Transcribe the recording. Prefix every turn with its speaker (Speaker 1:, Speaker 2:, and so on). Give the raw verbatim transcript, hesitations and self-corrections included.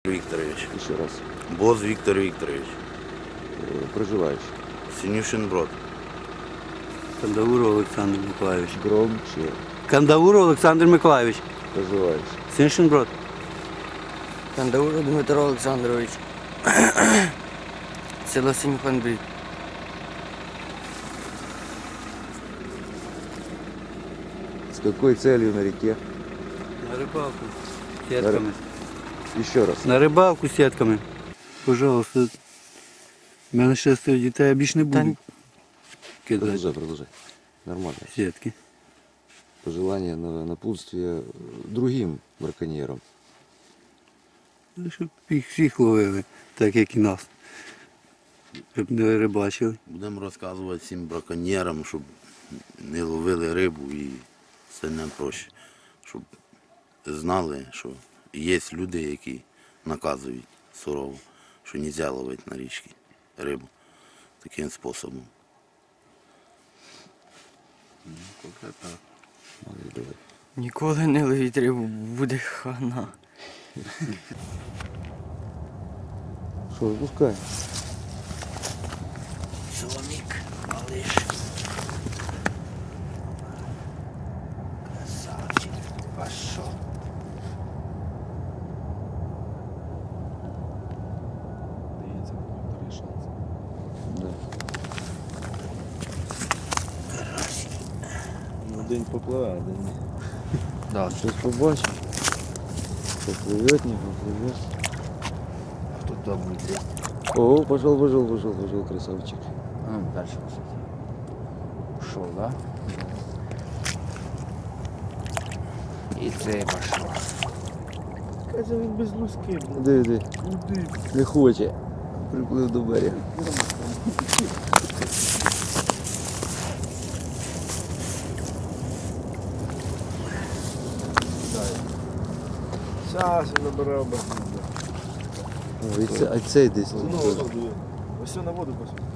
Speaker 1: Викторович.
Speaker 2: Еще раз.
Speaker 1: Боз Виктор Викторович.
Speaker 2: Э, Проживающий.
Speaker 1: Синюшин Брод.
Speaker 3: Кандауров Олександр Миколайович.
Speaker 2: Громче.
Speaker 3: Кандауров Олександр Миколайович.
Speaker 2: Проживающий.
Speaker 3: Синшин Брод.
Speaker 4: Кандауров Дмитро Олександрович. Село Синьханбрід.
Speaker 2: С какой целью на реке?
Speaker 3: На рибалку сітками.
Speaker 2: Еще раз.
Speaker 3: На рибалку сітками. Пожалуйста. У мене шестеро дітей, я більше не буду кидати
Speaker 2: Продолжай, продолжай. Нормально.
Speaker 3: сітки.
Speaker 2: Пожелание на напутствие другим браконьерам.
Speaker 3: Ну, щоб їх всіх ловили, так як і нас. Щоб не рибачили.
Speaker 1: Будемо розказувати всім браконьєрам, щоб не ловили рибу і все не проще. Щоб знали, що є люди, які наказують сурово, що не можна ловити на річці рибу таким способом.
Speaker 4: Ніколи не ловіть рибу, буде хана.
Speaker 2: Что, выпускай.
Speaker 4: Соломік, малиш. Красавчик, пошел.
Speaker 2: Да.
Speaker 5: Ну, день попливе, а день ні.
Speaker 4: Да.
Speaker 2: Сейчас побачим. Поплывет, не поплывет.
Speaker 4: А тут дома буде.
Speaker 2: О, пошел, пошел, пошел, пошел, красавчик.
Speaker 4: Ну, дальше посмотри. Ушел, да? І цей пошел.
Speaker 5: Каже, він без луски, блядь.
Speaker 2: Іди, іди.
Speaker 5: Куди?
Speaker 2: Не хоче. Приплив до берега.
Speaker 5: Щас він набирав бахнути.
Speaker 2: О, і це, а цей десь
Speaker 5: Ну,
Speaker 2: тут.
Speaker 5: ось на воду посмотри.